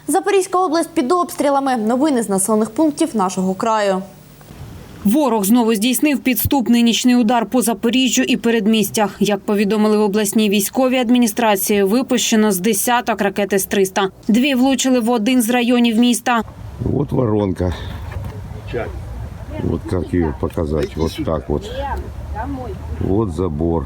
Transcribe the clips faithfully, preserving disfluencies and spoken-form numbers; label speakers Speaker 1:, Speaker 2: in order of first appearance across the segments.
Speaker 1: Запорізька область під обстрілами. Новини з населених пунктів нашого краю.
Speaker 2: Ворог знову здійснив підступний нічний удар по Запоріжжю і передмістях. Як повідомили в обласній військовій адміністрації, випущено з десяток ракет С триста. Дві влучили в один з районів міста.
Speaker 3: Вот воронка. Вот как ее показать. Вот так вот. Вот забор.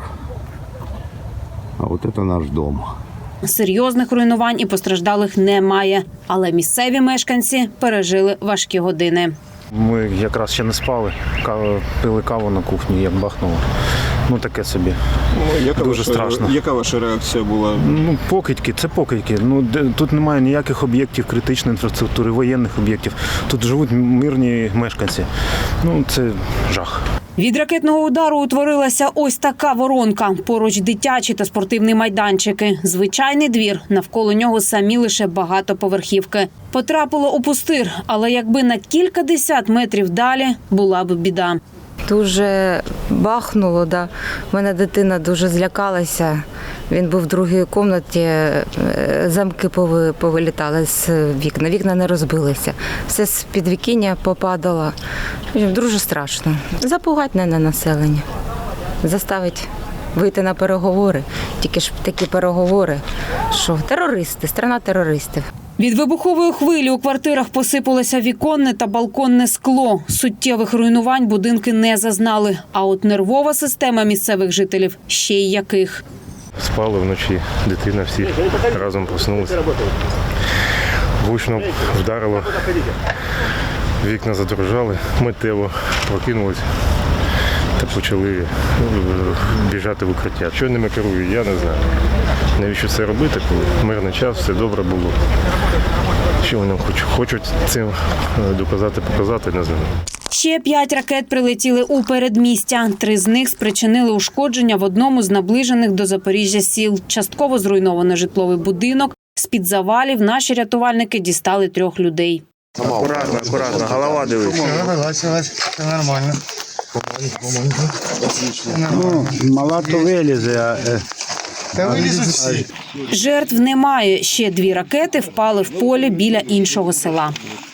Speaker 3: А вот это наш дом.
Speaker 2: Серйозних руйнувань і постраждалих немає. Але місцеві мешканці пережили важкі години.
Speaker 4: Ми якраз ще не спали, пили каву на кухні, як бахнуло. Ну таке собі.
Speaker 5: Ну, яка
Speaker 4: Дуже
Speaker 5: ваша,
Speaker 4: страшно.
Speaker 5: Яка ваша реакція була?
Speaker 4: Ну, покидьки, це покидьки. Ну, де, тут немає ніяких об'єктів критичної інфраструктури, воєнних об'єктів. Тут живуть мирні мешканці. Ну, це жах.
Speaker 2: Від ракетного удару утворилася ось така воронка. Поруч дитячі та спортивні майданчики. Звичайний двір, навколо нього самі лише багатоповерхівки. Потрапило у пустир, але якби на кілька десят метрів далі була б біда.
Speaker 6: Дуже бахнуло, да. У мене дитина дуже злякалася. Він був в другій кімнаті, замки повилітали з вікна, вікна не розбилися. Все з підвікіння попадало. Дуже страшно. Запугати не на населення, заставить вийти на переговори. Тільки ж такі переговори, що терористи, страна терористів.
Speaker 2: Від вибухової хвилі у квартирах посипалося віконне та балконне скло. Суттєвих руйнувань будинки не зазнали. А от нервова система місцевих жителів ще й яких.
Speaker 4: Спали вночі, дитина всі разом проснулися. Гучно вдарило, вікна задрожали, миттєво прокинулися та почали біжати в укриття. Що ними керують, я не знаю. Навіщо це робити, коли мирний час, все добре було. Що вони хочуть, хочуть цим доказати, показати, не знаю.
Speaker 2: Ще п'ять ракет прилетіли у передмістя. Три з них спричинили ушкодження в одному з наближених до Запоріжжя сіл. Частково зруйновано житловий будинок. З-під завалів наші рятувальники дістали трьох людей.
Speaker 4: Акуратно, акуратно, голова дивись.
Speaker 7: Це нормально.
Speaker 8: Ну, мала то вилізе, а...
Speaker 7: Та вилізуть всі.
Speaker 2: Жертв немає. Ще дві ракети впали в полі біля іншого села.